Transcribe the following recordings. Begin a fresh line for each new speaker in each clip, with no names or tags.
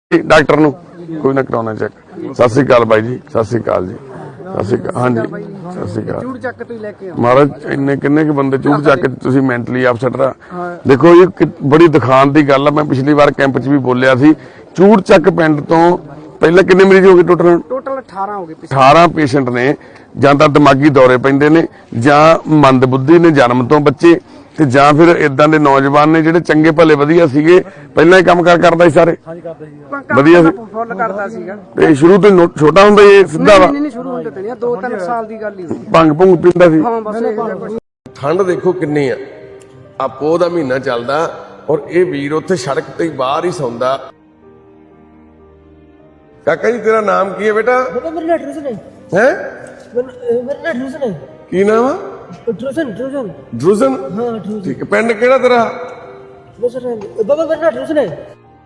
Doctor नूं कोई ना कराउणा चेक। सत श्री अकाल बाई जी, सत श्री अकाल जी, सत श्री अकाल। हाँ जी सत श्री अकाल महाराज। इन्ने किन्ने के बंदे चूड़ चक तुसीं मैंटली अपसैट रहा। देखो ये बड़ी दिखाण दी गल है। मैं पिछली बार कैंप च भी बोलिया सी, चूड़ चक पिंड तो पहले किन्ने मरीज हो गए टोटल
18 हो गए।
18 पेशेंट ने जां तां दिमागी दौरे पैंदे ने, जां मंदबुद्धि ने जन्म तो बच्चे, ਤੇ ਜਾਂ ਫਿਰ ਇਦਾਂ ਦੇ ਨੌਜਵਾਨ ਨੇ ਜਿਹੜੇ ਚੰਗੇ ਭਲੇ ਵਧੀਆ ਸੀਗੇ, ਪਹਿਲਾਂ ਹੀ ਕੰਮ ਕਰਦਾ ਸੀ ਸਾਰੇ ਵਧੀਆ ਸੀ,
ਫੁੱਲ ਕਰਦਾ ਸੀਗਾ
ਤੇ ਸ਼ੁਰੂ ਤੋਂ ਛੋਟਾ ਹੁੰਦਾ ਇਹ ਸਿੱਧਾ ਵਾ
ਨਹੀਂ ਸ਼ੁਰੂ ਹੁੰਦੇ ਤੇ 2-3 ਸਾਲ ਦੀ ਗੱਲ ਹੀ ਹੋਈ।
ਭੰਗ ਭੁੰਗ ਪੀਂਦਾ ਸੀ।
ਹਾਂ ਬਸ
ਠੰਡ ਦੇਖੋ ਕਿੰਨੀ ਆ। ਆ ਪੋਹ ਦਾ ਮਹੀਨਾ ਚੱਲਦਾ ਔਰ ਇਹ ਵੀਰ ਉੱਥੇ ਸੜਕ ਤੇ ਹੀ ਬਾਹਰ ਹੀ ਸੌਂਦਾ। ਕਾਕਾ ਜੀ ਤੇਰਾ ਨਾਮ ਕੀ ਹੈ ਬੇਟਾ?
ਮੇਰਾ ਨਾਮ ਰੋਸ਼ਨ ਹੈ।
ਹੈ
ਮੇਰਾ ਨਾਮ ਰੋਸ਼ਨ ਹੈ।
ਕੀ ਨਾਮ ਆ?
ਰੋਸ਼ਨ।
ਡਰੂਜ਼ਨ।
ਹਾਂ ਰੋਸ਼ਨ।
ਠੀਕ ਹੈ। ਪਿੰਡ ਕਿਹੜਾ ਤੇਰਾ?
ਬਾਬਾ ਮੇਰਾ ਨਾਮ ਰੋਸ਼ਨ ਹੈ।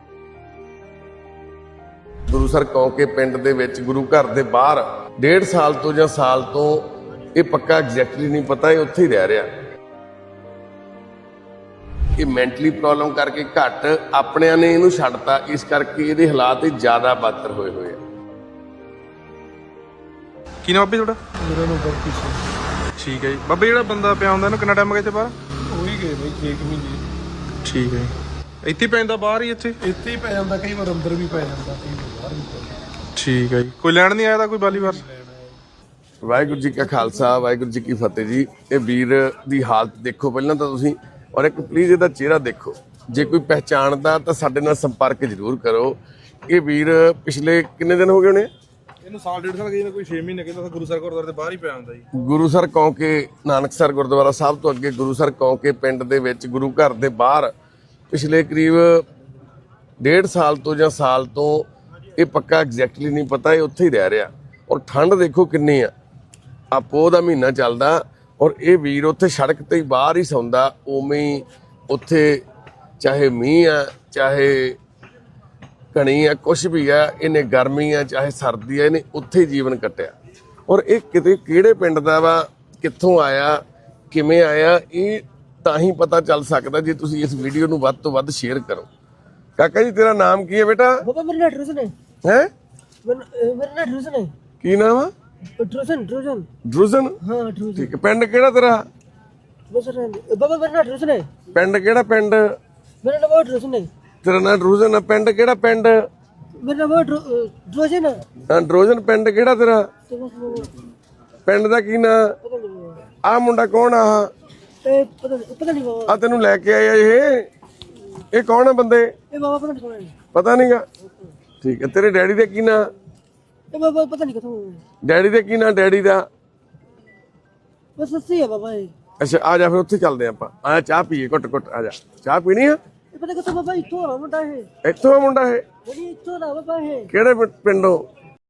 ਗੁਰੂਸਰ ਕੌਂਕੇ ਪਿੰਡ ਦੇ ਵਿੱਚ ਗੁਰੂ ਘਰ ਦੇ ਬਾਹਰ 1.5 ਸਾਲ ਤੋਂ ਜਾਂ ਸਾਲ ਤੋਂ ਇਹ ਪੱਕਾ ਐਗਜ਼ੈਕਟਲੀ ਨਹੀਂ ਪਤਾ, ਇਹ ਉੱਥੇ ਹੀ ਰਹਿ ਰਿਹਾ। ਇਹ ਮੈਂਟਲੀ ਪ੍ਰੋਬਲਮ ਕਰਕੇ ਘੱਟ ਆਪਣਿਆਂ ਨੇ ਇਹਨੂੰ ਛੱਡਤਾ, ਇਸ ਕਰਕੇ ਇਹਦੇ ਹਾਲਾਤ ਜ਼ਿਆਦਾ ਬਦਤਰ ਹੋਏ ਹੋਏ ਆ।
ਕੀ ਨਾਮ ਬਾਬੇ ਤੁਹਾਡਾ?
ਮੇਰਾ ਨਾਮ ਗੁਰਪ੍ਰੀਤ ਸਿੰਘ।
ਠੀਕ ਹੈ ਜੀ ਬਾਬੇ, ਜਿਹੜਾ ਬੰਦਾ ਪਿਆ ਹੁੰਦਾ ਇਹਨੂੰ ਕਿੰਨਾ ਟਾਈਮ ਹੋ ਗਿਆ ਇੱਥੇ ਬਾਹਰ?
ਉਹੀ ਗਏ ਬਈ 6 ਮਹੀਨੇ।
ਠੀਕ ਹੈ ਜੀ। ਇੱਥੇ ਪੈਂਦਾ ਬਾਹਰ ਹੀ ਇੱਥੇ
ਹੀ ਪੈ ਜਾਂਦਾ, ਕਈ ਵਾਰ ਅੰਦਰ ਵੀ ਪੈ ਜਾਂਦਾ, ਕਈ ਵਾਰ ਬਾਹਰ ਵੀ ਪੈ ਜਾਂਦਾ।
ਠੀਕ ਹੈ ਜੀ। ਕੋਈ ਲੈਣ ਨਹੀਂ ਆਇਆ ਤਾਂ ਕੋਈ ਬਾਲੀਵਾਰ?
ਵਾਹਿਗੁਰੂ ਜੀ ਕਾ ਖਾਲਸਾ, ਵਾਹਿਗੁਰੂ ਜੀ ਕੀ ਫਤਿਹ ਜੀ। ਇਹ ਵੀਰ ਦੀ ਹਾਲਤ ਦੇਖੋ ਪਹਿਲਾਂ ਤਾਂ ਤੁਸੀਂ, ਔਰ ਇੱਕ ਪਲੀਜ਼ ਇਹਦਾ ਚਿਹਰਾ ਦੇਖੋ। ਜੇ ਕੋਈ ਪਹਿਚਾਣਦਾ ਤਾਂ ਸਾਡੇ ਨਾਲ ਸੰਪਰਕ ਜ਼ਰੂਰ ਕਰੋ। ਇਹ ਵੀਰ ਪਿਛਲੇ ਕਿੰਨੇ ਦਿਨ ਹੋ ਗਏ ਹੋਣੇ?
ਇਹਨੂੰ ਸਾਲ ਡੇਢ ਸਾਲ ਗਈ, ਕੋਈ 6 ਮਹੀਨੇ ਕਹਿੰਦਾ ਗੁਰੂਸਰ ਗੁਰਦੁਆਰੇ ਦੇ ਬਾਹਰ ਹੀ ਪਿਆ ਹੁੰਦਾ ਜੀ।
ਗੁਰੂਸਰ ਕੌਂਕੇ ਨਾਨਕਸਰ ਗੁਰਦੁਆਰਾ ਸਾਹਿਬ ਤੋਂ ਅੱਗੇ ਗੁਰੂਸਰ ਕੌਂਕੇ ਪਿੰਡ ਦੇ ਵਿੱਚ ਗੁਰੂ ਘਰ ਦੇ ਬਾਹਰ ਪਿਛਲੇ ਕਰੀਬ 1.5 ਸਾਲ ਤੋਂ ਜਾਂ ਸਾਲ ਤੋਂ ਇਹ ਪੱਕਾ ਐਗਜ਼ੈਕਟਲੀ ਨਹੀਂ ਪਤਾ, ਇਹ ਉੱਥੇ ਹੀ ਰਹਿ ਰਿਹਾ। ਔਰ ਠੰਡ ਦੇਖੋ ਕਿੰਨੀ ਆ। ਆ ਪੋਹ ਦਾ ਮਹੀਨਾ ਚੱਲਦਾ ਔਰ ਇਹ ਵੀਰ ਉੱਥੇ ਸੜਕ ਤੇ ਹੀ ਬਾਹਰ ਹੀ ਸੌਂਦਾ। ਉਵੇਂ ਹੀ ਉੱਥੇ ਚਾਹੇ ਮੀਂਹ ਆ ਚਾਹੇ ਘਣੀ ਆ ਕੁਛ ਵੀ ਆ, ਇਹਨੇ ਗਰਮੀ ਆ ਚਾਹੇ ਸਰਦੀ ਆ, ਇਹਨੇ ਉੱਥੇ ਹੀ ਜੀਵਨ ਕੱਟਿਆ। ਔਰ ਇਹ ਕਿਤੇ ਕਿਹੜੇ ਪਿੰਡ ਦਾ ਵਾ, ਕਿੱਥੋਂ ਆਇਆ, ਕਿਵੇਂ ਆਇਆ, ਇਹ ਤਾਂ ਹੀ ਪਤਾ ਚੱਲ ਸਕਦਾ ਜੇ ਤੁਸੀਂ ਇਸ ਵੀਡੀਓ ਨੂੰ ਵੱਧ ਤੋਂ ਵੱਧ ਸ਼ੇਅਰ ਕਰੋ। ਕਾਕਾ ਜੀ ਤੇਰਾ ਨਾਮ ਕੀ ਹੈ ਬੇਟਾ?
ਬਾਬਾ ਮੇਰਾ ਨਾਮ ਰੋਸ਼ਨ ਹੈ।
ਹੈ
ਮੇਰਾ ਨਾਮ ਰੋਸ਼ਨ ਹੈ।
ਕੀ ਨਾਮ ਆ?
ਰੋਸ਼ਨ।
ਡਰੂਜ਼ਨ।
ਹਾਂ ਰੋਸ਼ਨ।
ਠੀਕ ਹੈ। ਪਿੰਡ ਕਿਹੜਾ ਤੇਰਾ?
ਬਾਬਾ ਮੇਰਾ ਨਾਮ ਰੋਸ਼ਨ ਹੈ।
ਪਿੰਡ ਕਿਹੜਾ? ਪਿੰਡ
ਮੇਰਾ ਨਾਮ ਰੋਸ਼ਨ ਹੈ।
ਤੇਰਾ ਨਾਮ ਡਰੂਜ਼ਨ ਆ। ਪਿੰਡ ਕਿਹੜਾ? ਪਿੰਡ
ਮੇਰਾ ਨਾਮ ਰੋਸ਼ਨ ਹੈ।
ਡਰੂਜ਼ਨ। ਪਿੰਡ ਕਿਹੜਾ ਤੇਰਾ? ਪਿੰਡ ਦਾ ਕੀ ਨਾਂ? ਆ ਮੁੰਡਾ ਕੌਣ ਆ?
ਪਤਾ ਨਹੀਂ ਬਾਬਾ।
ਆ ਤੈਨੂੰ ਲੈ ਕੇ ਆਇਆ ਇਹ ਕੌਣ ਆ ਬੰਦੇ?
ਇਹ ਬਾਬਾ ਪਤਾ ਨਹੀਂ ਕੌਣ ਹੈ।
ਪਤਾ ਨਹੀਂਗਾ। ਠੀਕ ਹੈ। ਤੇਰੇ ਡੈਡੀ ਦਾ ਕੀ ਨਾਂ?
ਇਹ ਬਾਬਾ ਪਤਾ ਨਹੀਂ ਕਿੱਥੋਂ।
ਡੈਡੀ ਦਾ ਕੀ ਨਾਂ? ਡੈਡੀ ਦਾ
ਬਸ ਸੱਚੀ ਹੈ ਬਾਬਾ ਇਹ।
ਅੱਛਾ ਆ ਜਾ ਫਿਰ ਉੱਥੇ ਚੱਲਦੇ ਆਪਾਂ। ਆ ਚਾਹ ਪੀਏ ਘੁੱਟ ਆ ਜਾ। ਚਾਹ ਪੀਣੀ ਆ?
ਇਹ ਪਤਾ ਕਿੱਥੋਂ ਬਾਬਾ? ਇੱਥੋਂ ਆ ਮੁੰਡਾ ਇਹ।
ਇੱਥੋਂ ਆ ਮੁੰਡਾ ਇਹ?
ਨਹੀਂ ਇੱਥੋਂ ਦਾ ਬਾਬਾ ਇਹ।
ਕਿਹੜੇ ਪਿੰਡੋਂ?